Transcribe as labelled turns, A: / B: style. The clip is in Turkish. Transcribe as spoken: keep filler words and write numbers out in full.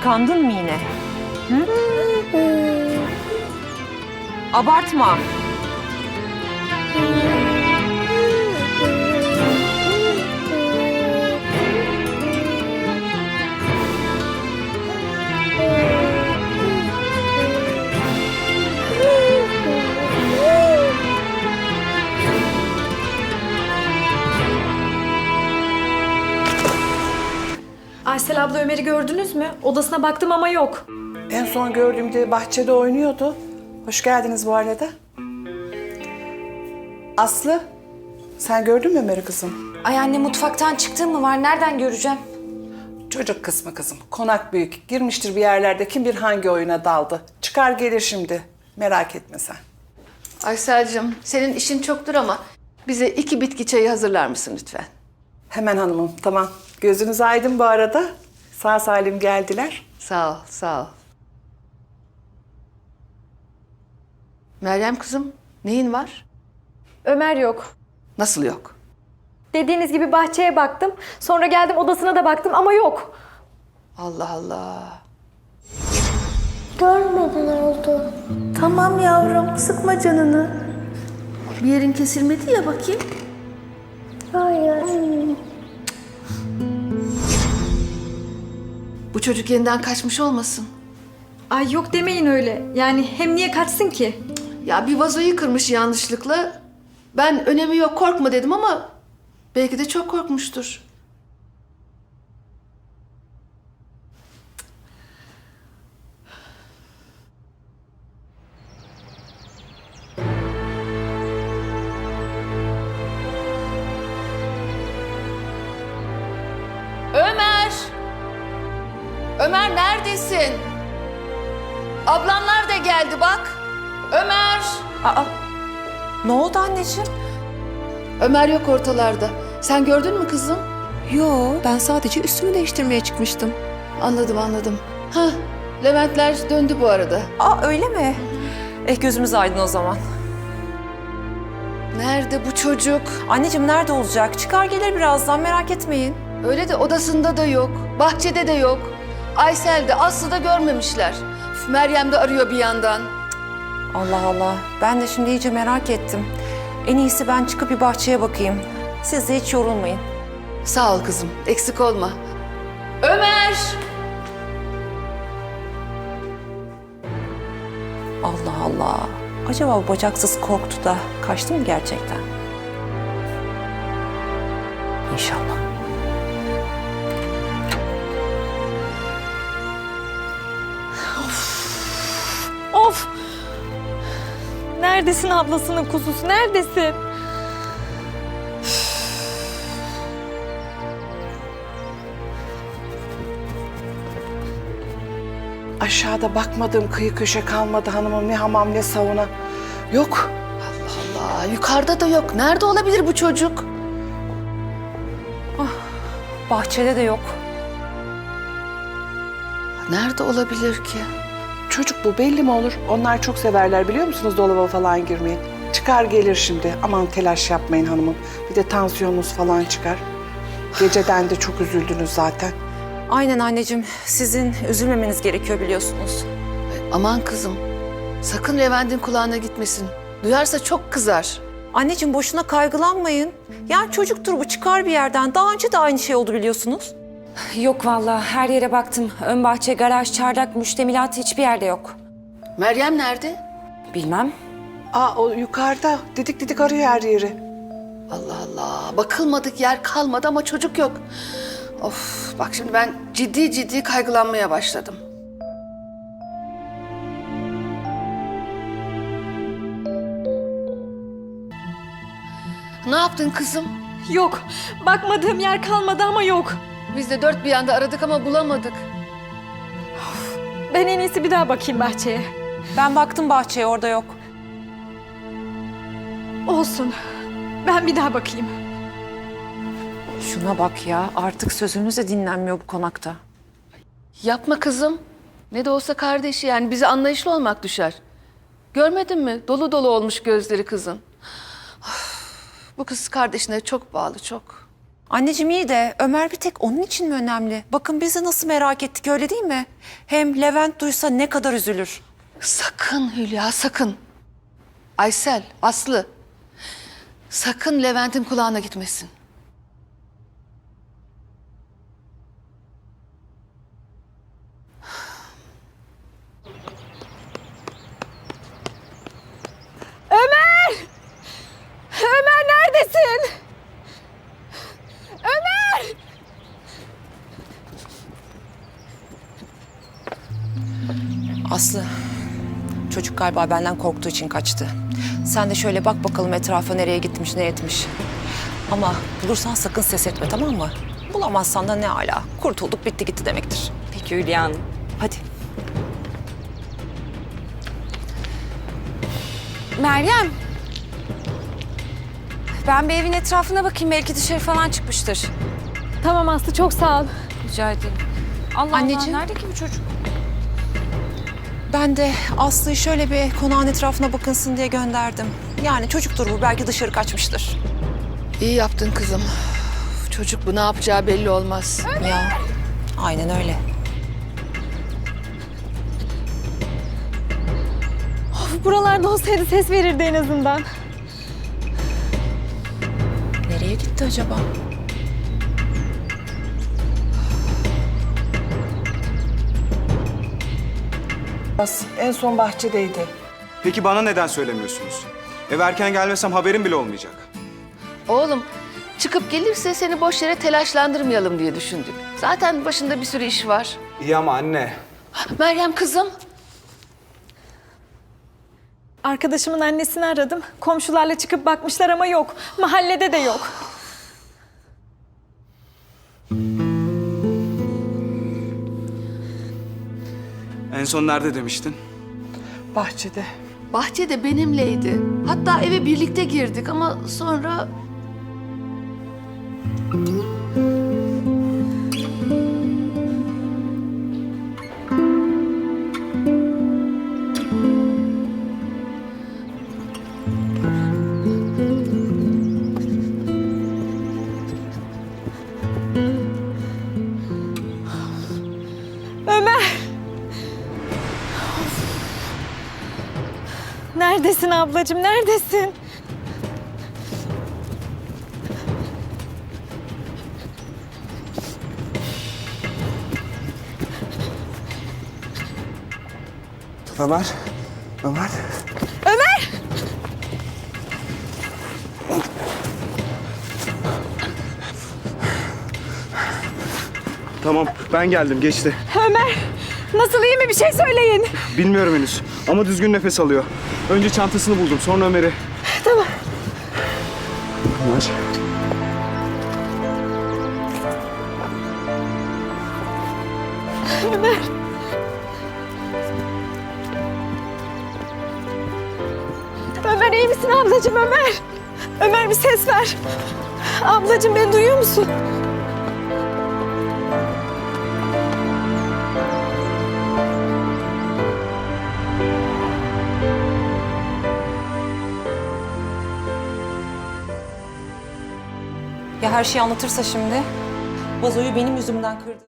A: Kıskandın mı yine? Hı? Abartma.
B: Aysel abla Ömer'i gördünüz mü? Odasına baktım ama yok.
C: En son gördüğümde bahçede oynuyordu. Hoş geldiniz bu arada. Aslı, sen gördün mü Ömer'i kızım?
D: Ay anne mutfaktan çıktığım mı var? Nereden göreceğim?
C: Çocuk kısmı kızım. Konak büyük. Girmiştir bir yerlerde. Kim bilir hangi oyuna daldı. Çıkar gelir şimdi. Merak etme sen.
E: Aysel'cim senin işin çoktur ama bize iki bitki çayı hazırlar mısın lütfen?
C: Hemen hanımım, tamam. Gözünüz aydın bu arada. Sağ salim geldiler.
E: Sağ ol, sağ ol. Meryem kızım, neyin var?
B: Ömer yok.
E: Nasıl yok?
B: Dediğiniz gibi bahçeye baktım. Sonra geldim odasına da baktım ama yok.
E: Allah Allah.
F: Görmeden oldu.
E: Tamam yavrum, sıkma canını. Bir yerin kesilmedi ya bakayım.
F: Hayır.
E: Bu çocuk yeniden kaçmış olmasın?
B: Ay yok demeyin öyle. Yani hem niye kaçsın ki?
E: Ya bir vazoyu kırmış yanlışlıkla. Ben önemi yok korkma dedim ama belki de çok korkmuştur. Ömer! Ömer neredesin? Ablamlar da geldi bak. Ömer!
A: Aa, ne oldu anneciğim?
E: Ömer yok ortalarda. Sen gördün mü kızım?
G: Yo, ben sadece üstümü değiştirmeye çıkmıştım.
E: Anladım anladım. Hah, Leventler döndü bu arada.
A: Aa, öyle mi? Eh, gözümüz aydın o zaman.
E: Nerede bu çocuk?
A: Anneciğim nerede olacak? Çıkar gelir birazdan, merak etmeyin.
E: Öyle de odasında da yok, bahçede de yok. Aysel de Aslı da görmemişler. Üf, Meryem de arıyor bir yandan.
A: Allah Allah, ben de şimdi iyice merak ettim. En iyisi ben çıkıp bir bahçeye bakayım. Siz de hiç yorulmayın.
E: Sağ ol kızım, eksik olma. Ömer!
A: Allah Allah. Acaba bu bacaksız korktu da kaçtı mı gerçekten? İnşallah.
B: Of! Neredesin ablasının kuzusu? Neredesin?
C: Aşağıda bakmadığım kıyı köşe kalmadı hanımım. Ne hamam ne sauna. Yok.
E: Allah, yukarıda da yok. Nerede olabilir bu çocuk?
A: Bahçede de yok.
E: Nerede olabilir ki?
C: Çocuk bu belli mi olur? Onlar çok severler biliyor musunuz dolaba falan girmeyi. Çıkar gelir şimdi. Aman telaş yapmayın hanımım. Bir de tansiyonunuz falan çıkar. Geceden de çok üzüldünüz zaten.
A: Aynen anneciğim. Sizin üzülmemeniz gerekiyor biliyorsunuz.
E: Aman kızım, sakın Levent'in kulağına gitmesin. Duyarsa çok kızar.
A: Anneciğim boşuna kaygılanmayın. Yani çocuktur bu, çıkar bir yerden. Daha önce de aynı şey oldu biliyorsunuz.
D: Yok vallahi her yere baktım. Ön bahçe, garaj, çardak, müştemilat hiçbir yerde yok.
E: Meryem nerede?
D: Bilmem.
C: Aa o yukarıda didik didik arıyor her yeri.
E: Allah Allah, bakılmadık yer kalmadı ama çocuk yok. Of, bak şimdi ben ciddi ciddi kaygılanmaya başladım. Ne yaptın kızım?
B: Yok. Bakmadığım yer kalmadı ama yok.
E: Biz de dört bir yanda aradık ama bulamadık.
B: Ben en iyisi bir daha bakayım bahçeye.
A: Ben baktım bahçeye, orada yok.
B: Olsun. Ben bir daha bakayım.
A: Şuna bak ya, artık sözümüz de dinlenmiyor bu konakta.
E: Yapma kızım. Ne de olsa kardeşi yani bize anlayışlı olmak düşer. Görmedin mi? Dolu dolu olmuş gözleri kızın. Of, bu kız kardeşine çok bağlı, çok.
A: Anneciğim iyi de Ömer bir tek onun için mi önemli? Bakın bizi nasıl merak ettik öyle değil mi? Hem Levent duysa ne kadar üzülür.
E: Sakın Hülya, sakın. Aysel, Aslı. Sakın Levent'in kulağına gitmesin.
B: Ömer! Ömer neredesin? Ömer!
A: Aslı, çocuk galiba benden korktuğu için kaçtı. Sen de şöyle bak bakalım etrafa nereye gitmiş, ne etmiş. Ama bulursan sakın ses etme, tamam mı? Bulamazsan da ne ala. Kurtulduk, bitti gitti demektir.
D: Peki Hülya Hanım.
A: Hadi.
D: Meryem. Ben bir evin etrafına bakayım. Belki dışarı falan çıkmıştır.
B: Tamam Aslı, çok sağ ol.
D: Rica ederim. Allah
A: Anneciğim.
D: Allah, nerede ki bu çocuk?
A: Ben de Aslı'yı şöyle bir konağın etrafına bakınsın diye gönderdim. Yani çocuktur bu, belki dışarı kaçmıştır.
E: İyi yaptın kızım. Çocuk bu ne yapacağı belli olmaz.
A: Ya, aynen öyle.
B: Of, buralarda olsaydı ses verirdi en azından.
A: Nereye gitti acaba?
C: En son bahçedeydi.
H: Peki bana neden söylemiyorsunuz? Eve erken gelmesem haberim bile olmayacak.
E: Oğlum, çıkıp gelirse seni boş yere telaşlandırmayalım diye düşündük. Zaten başında bir sürü iş var.
H: İyi ama anne.
E: Meryem kızım.
B: Arkadaşımın annesini aradım. Komşularla çıkıp bakmışlar ama yok. Mahallede de yok.
H: En son nerede demiştin?
C: Bahçede.
E: Bahçede benimleydi. Hatta eve birlikte girdik ama sonra...
B: Ömer! Neredesin ablacığım, neredesin?
H: Ömer. Ömer.
B: Ömer!
H: Tamam ben geldim geçti.
B: Ömer! Nasıl, iyi mi? Bir şey söyleyin.
H: Bilmiyorum henüz ama düzgün nefes alıyor. Önce çantasını buldum sonra Ömer'i.
B: Tamam.
H: Ömer.
B: Ömer! Ömer iyi misin ablacığım, Ömer? Ömer bir ses ver. Ablacığım beni duyuyor musun?
A: Ya her şeyi anlatırsa şimdi? Vazoyu benim yüzümden kırdı.